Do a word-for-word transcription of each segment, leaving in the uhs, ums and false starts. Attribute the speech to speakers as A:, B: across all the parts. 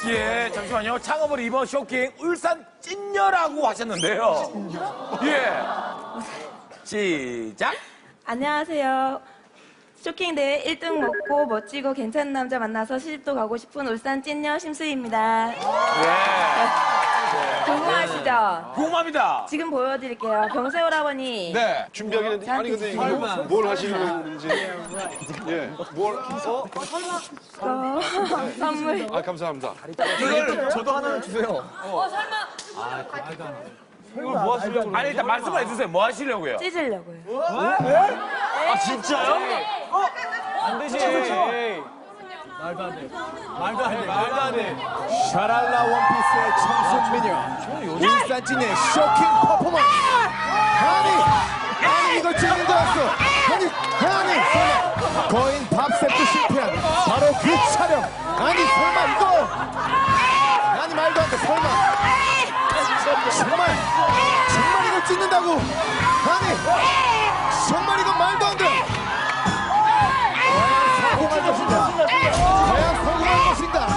A: 예, 잠시만요. 창업을 이번 쇼킹 울산 찐녀라고 하셨는데요. 예. 시작.
B: 안녕하세요. 쇼킹 대회 일 등 먹고 멋지고 괜찮은 남자 만나서 시집도 가고 싶은 울산 찐녀 심수희입니다.
A: 예.
B: 궁금하시죠?
A: 궁금합니다.
B: 지금 보여드릴게요. 병세월 아버니.
C: 네, 준비하기는 아니 근데 이거 뭘 하시는 건지 예, 뭘 어?
B: 어, 선물.
C: 아 감사합니다.
A: 이걸
D: 저도 하나는 주세요.
A: 이걸 뭐 하시려고? 아니 일단 말씀을 해주세요. 뭐 하시려고요?
B: 찢으려고요.
D: 아 진짜요? 안 되지. 말도 안 돼. 말도 안 돼. 말도 안 돼.
E: 샤랄라 원피스의 청순 미녀 울산 찐의 쇼킹 퍼포먼스. 아니 아니 이걸 찍는 줄 알았어. 아니 아니 설마 거인 밥셉도 실패한 바로 그 촬영. 아니 설마 이거 아니 말도 안 돼. 설마 정말 정말 이걸 찍는다고. 아니 정말 이건 말도 안 돼. 성공할 것인가? 과연 성공할 것인가?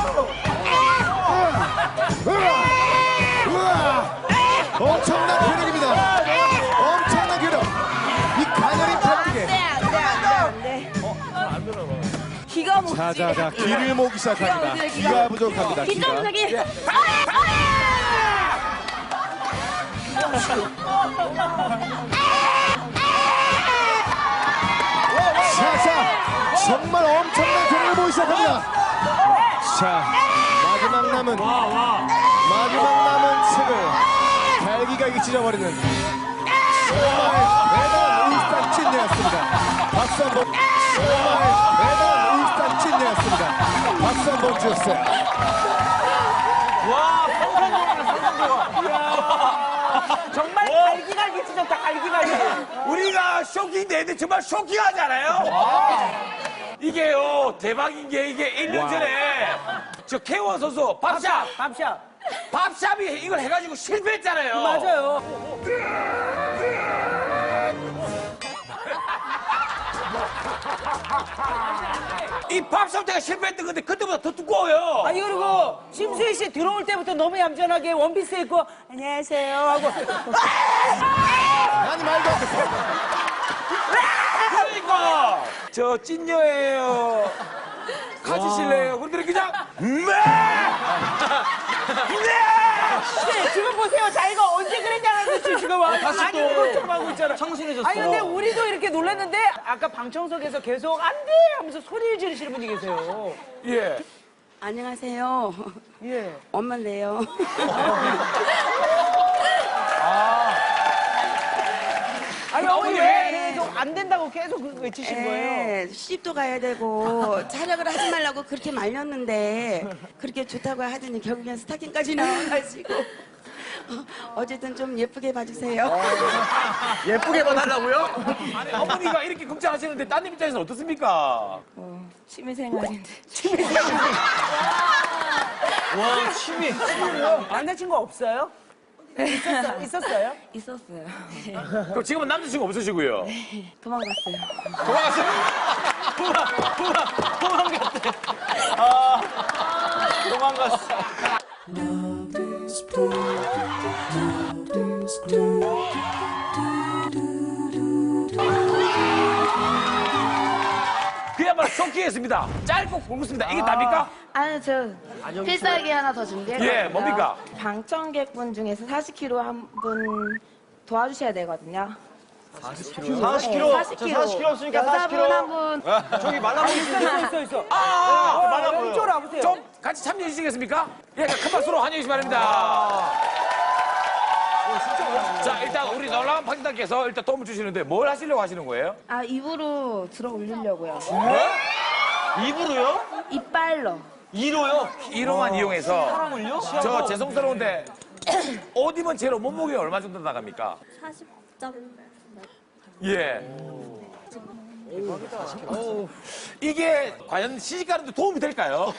E: 우와! 우와! 엄청난 괴력입니다. 엄청난 괴력. 이 가녀린 팔뚝에.
B: 안돼 안돼 안돼. 기가 못.
E: 자자자 기를 모으기 시작합니다. 기가 부족합니다.
B: 기가
E: 기가.
B: 부족이.
E: 자자 정말 엄청난 괴력을 보이기 시작합니다. 자 마지막 남은 마지막 남은 책을 달기가 이기 찢어버리는 정말 대단한 울산 찐녀였습니다. 박수 한번. 정말 대단한 울산 찐녀였습니다. 박수 한번 주세요.
A: 와, 평상도가 상상도가.
F: 정말 갈기갈기 찢었다, 갈기갈기.
A: 우리가 쇼킹 대회인데 정말 쇼킹하잖아요. 이게요 대박인 게 이게 일 년 전에 저 K원 선수 밥샵
F: 밥샵.
A: 밥샵이 이걸 해가지고 실패했잖아요.
F: 맞아요.
A: 이 밥샵 때가 실패했던 건데 그때보다 더 두꺼워요.
F: 아니, 그리고 심수희 씨 들어올 때부터 너무 얌전하게 원피스 입고, 안녕하세요 하고.
E: 아니 말도 안 돼.
A: 그러니까 저 찐녀예요. 가지실래요? 그런데 그냥 네! 네!
F: 네, 지금 보세요. 자기가 언제 그랬냐는 지금 와.
D: 다시
F: 많이
D: 또
F: 걱정하고 있잖아.
D: 청순해졌어.
F: 아니, 근데 우리도 이렇게 놀랐는데, 아까 방청석에서 계속 안 돼! 하면서 소리를 지르시는 분이 계세요.
A: 예.
G: 안녕하세요.
F: 예.
G: 엄마인데요.
F: 아니, 어머니 왜 계속 안 된다고 계속 그 외치신 거예요?
G: 네, 시집도 가야 되고 촬영을 하지 말라고 그렇게 말렸는데 그렇게 좋다고 하더니 결국엔 스타킹까지 나와가지고 어쨌든 좀 예쁘게 봐주세요.
D: 예쁘게 봐달라고요?
A: 아니, 어머니가 이렇게 걱정하시는데 따님 입장에서는 어떻습니까?
B: 어, 취미생활인데.
D: 와 취미.
F: 남자친구 없어요? 있었어, 있었어요?
B: 있었어요.
A: 그럼 지금은 남자친구 없으시고요.
B: 도망갔어요.
A: 도망갔어요.
D: 도망 도망 도망갔대. 아 도망갔어.
A: 그야말로 쇼킹했습니다. 짧고 굵습니다. 이게 답니까?
B: 아니, 저 필살기 하나 더 준비했거든요.
A: 예, 뭡니까?
B: 방청객분 중에서 사십 킬로그램 한 분 도와주셔야 되거든요.
D: 사십
B: 네,
D: 킬로.
B: 사십 킬로그램.
D: 저 사십 킬로 없으니까 사십
B: 여자분
D: 킬로.
B: 한 분.
D: 저기 말라 보이시는데.
F: 있어, 있어, 있어.
A: 아, 아, 아,
F: 말아 보여. 이쪽으로 와보세요.
A: 좀 같이 참여해 주시겠습니까? 예, 큰 박수로 환영해 주시기 바랍니다. 자, 일단 우리 놀라운 판단께서 일단 도움을 주시는데 뭘 하시려고 하시는 거예요?
B: 아, 입으로 들어 올리려고요.
D: 입으로요?
B: 이빨로.
D: 이로요?
A: 이로만 이용해서
D: 사람을요?
A: 저 죄송스러운데 옷 입은 채로 몸무게 얼마 정도 나갑니까?
H: 사십 점.
A: 예. 이게 과연 시집가는데 도움이 될까요?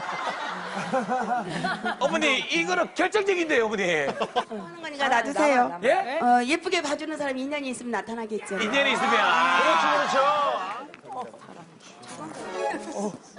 A: 어머니, 이거는 결정적인데요, 어머니.
G: 하는 거니까 놔두세요.
A: 예?
G: 어, 예쁘게 봐주는 사람이 인연이 있으면 나타나겠죠.
A: 인연이 있으면.
D: 그렇죠 그렇죠.